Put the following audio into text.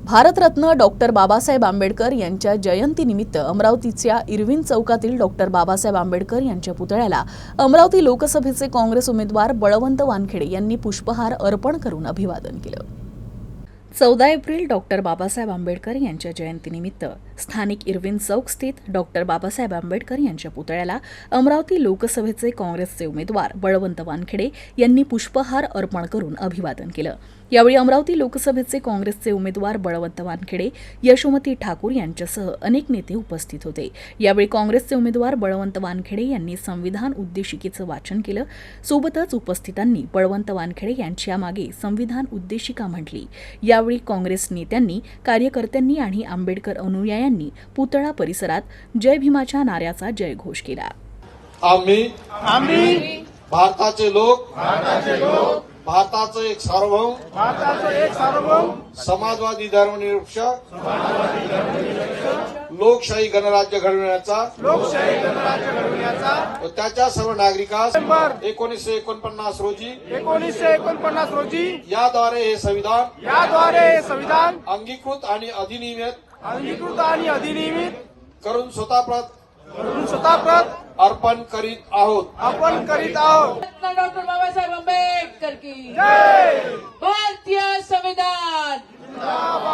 Bharat Ratna doctor Babasaheb Ambedkar यांच्या जयंतीनिमित्त अमरावतीच्या इरविन चौकातील डॉक्टर बाबासाहेब आंबेडकर यांच्या पुतळ्याला अमरावती लोकसभेचे काँग्रेस उमेदवार बळवंत वानखेडे यांनी पुष्पहार अर्पण करून अभिवादन केलं। 14 एप्रिल डॉक्टर बाबासाहेब आंबेडकर यांच्या जयंतीनिमित्त स्थानिक इरविन चौक स्थित डॉक्टर बाबासाहेब आंबेडकर यांच्या पुतळ्याला अमरावती लोकसभेचे काँग्रेसचे उमेदवार बळवंत वानखेडे यांनी पुष्पहार अर्पण करून अभिवादन केलं। यावेळी अमरावती लोकसभेचे काँग्रेसचे उमेदवार बळवंत वानखेडे, यशोमती ठाकूर यांच्यासह अनेक नेते उपस्थित होते। यावेळी काँग्रेसचे उमेदवार बळवंत वानखेडे यांनी संविधान उद्देशिकेचं वाचन केलं। सोबतच उपस्थितांनी बळवंत वानखेडे यांच्या मागे संविधान उद्देशिका म्हटली। यावेळी काँग्रेस नेत्यांनी, कार्यकर्त्यांनी आणि आंबेडकर अनुयायांनी पुतळा परिसरात जय भीमाच्या नाऱ्याचा जयघोष केला। आम्ही भारताचे लोक भारताचं एक सार्वभौम समाजवादी धर्मनिरपेक्ष लोकशाही गणराज्य घडविण्याचा व त्याच्या सर्व नागरिकांस 1949 रोजी याद्वारे हे संविधान अंगीकृत आणि अधिनियमित करून स्वतःप्रत अर्पण करीत आहोत। डॉक्टर बाबासाहेब आंबेडकर की जय। भारतीय संविधान